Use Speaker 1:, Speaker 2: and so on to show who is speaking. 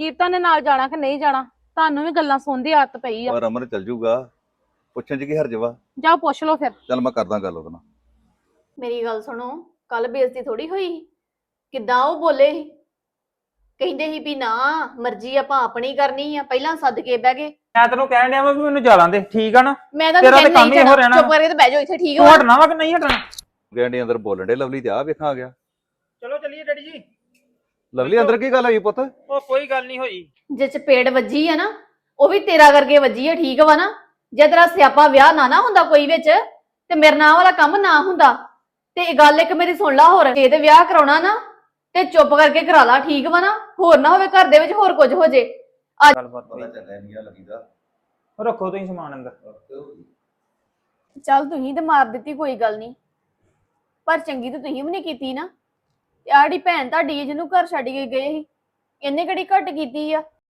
Speaker 1: ਕੀਰਤਨ ਨੇ ਨਾਲ ਜਾਣਾ ਕਿ ਨਹੀਂ ਜਾਣਾ। ਤੁਹਾਨੂੰ ਵੀ ਗੱਲਾਂ ਸੁਣਨ ਦੀ ਆਦਤ ਪਈ ਆ।
Speaker 2: ਪਰ ਅਮਰ ਚੱਲ ਜੂਗਾ, ਪੁੱਛਣ ਚ ਕੀ ਹਰਜ ਵਾ।
Speaker 1: ਜਾਓ ਪੁੱਛ ਲਓ ਫਿਰ।
Speaker 2: ਚੱਲ ਮੈਂ ਕਰਦਾ ਗੱਲ ਉਹਦੇ ਨਾਲ।
Speaker 3: ਮੇਰੀ ਗੱਲ ਸੁਣੋ, ਕੱਲ ਬੇਇੱਜ਼ਤੀ ਥੋੜੀ ਹੋਈ ਸੀ। ਕਿੱਦਾਂ ਉਹ ਬੋਲੇ ਸੀ, ਕਹਿੰਦੇ ਸੀ ਵੀ ਨਾ ਮਰਜ਼ੀ ਆਪਾਂ ਆਪਣੀ ਕਰਨੀ ਆ, ਪਹਿਲਾਂ ਸੱਦ ਕੇ ਬਹਿ ਗਏ।
Speaker 4: ਮੈਂ ਤੈਨੂੰ ਕਹਿਣ ਡਿਆ ਵਾ ਵੀ ਮੈਨੂੰ ਜਾਲਾਂ ਦੇ, ਠੀਕ ਆ ਨਾ।
Speaker 3: ਮੈਂ ਤਾਂ
Speaker 4: ਤੇਰਾ ਤੇ
Speaker 3: ਕਹਿੰਦੀ
Speaker 4: ਕੰਮ
Speaker 3: ਨਹੀਂ
Speaker 4: ਹੀ ਇਹੋ
Speaker 3: ਜਾਣਾ,
Speaker 4: ਰਹਿਣਾ।
Speaker 3: ਚੁੱਪ ਕਰਕੇ ਤੇ ਬਹਿ ਜਾਓ ਇੱਥੇ, ਠੀਕ
Speaker 4: ਤੂੰ
Speaker 3: ਹੋ।
Speaker 4: ਹਟਣਾ ਵਾ ਕਿ ਨਹੀਂ ਹਟਣਾ?
Speaker 2: ਗੈਂਡੀ ਅੰਦਰ ਬੋਲਣ ਡੇ ਲਵਲੀ ਤੇ ਆ ਵੇਖਾਂ ਆ ਗਿਆ।
Speaker 4: ਚਲੋ ਚੱਲੀਏ ਡੈਡੀ ਜੀ।
Speaker 2: ਲਵਲੀ ਅੰਦਰ ਕੀ ਗੱਲ ਹੋਈ ਪੁੱਤ?
Speaker 4: ਉਹ ਕੋਈ ਗੱਲ ਨਹੀਂ ਹੋਈ।
Speaker 3: ਜੇ ਚਪੇੜ ਵੱਜੀ ਆ ਨਾ, ਉਹ ਵੀ ਤੇਰਾ ਕਰਕੇ ਵੱਜੀ ਆ, ਠੀਕ ਵਾ ਨਾ। ਜੇ ਤੇਰਾ ਸਿਆਪਾ ਵਿਆਹ ਨਾ ਹੁੰਦਾ ਕੋਈ ਵਿੱਚ, ਤੇ ਮੇਰੇ ਨਾਲ ਵਾਲਾ ਕੰਮ ਨਾ ਹੁੰਦਾ। ਤੇ ਇਹ ਗੱਲ ਇੱਕ ਮੇਰੀ ਸੁਣ ਲਾ ਹੋਰ, ਜੇ ਤੇ ਵਿਆਹ ਕਰਾਉਣਾ ਨਾ ਤੇ ਚੁੱਪ ਕਰਕੇ ਕਰਾ ਲਾ, ਠੀਕ ਵਾ ਨਾ। ਹੋਰ ਨਾ ਹੋਵੇ ਘਰ ਦੇ ਵਿੱਚ ਹੋਰ ਕੁਝ ਹੋ ਜੇ।
Speaker 4: ਗੱਲਬਾਤ
Speaker 2: ਪਤਾ ਚੱਲਿਆ ਨਹੀਂ ਆ ਲੱਗੀਦਾ।
Speaker 4: ਰੱਖੋ ਤੁਸੀਂ ਸਮਾਨ ਅੰਦਰ।
Speaker 3: ਚੱਲ ਤੁਸੀਂ ਤੇ ਮਾਰ ਦਿੱਤੀ, ਕੋਈ ਗੱਲ ਨਹੀਂ, ਪਰ ਚੰਗੀ ਤਾਂ ਤੁਸੀਂ ਵੀ ਨਹੀਂ ਕੀਤੀ ਨਾ। ਤੇ ਆੜੀ ਭੈਣ ਤੁਹਾਡੀ ਜਿਹਨੂੰ ਘਰ ਛੱਡ ਕੇ ਗਏ ਸੀ, ਇਹਨੇ ਕਿਹੜੀ ਘੱਟ ਕੀਤੀ ਆ।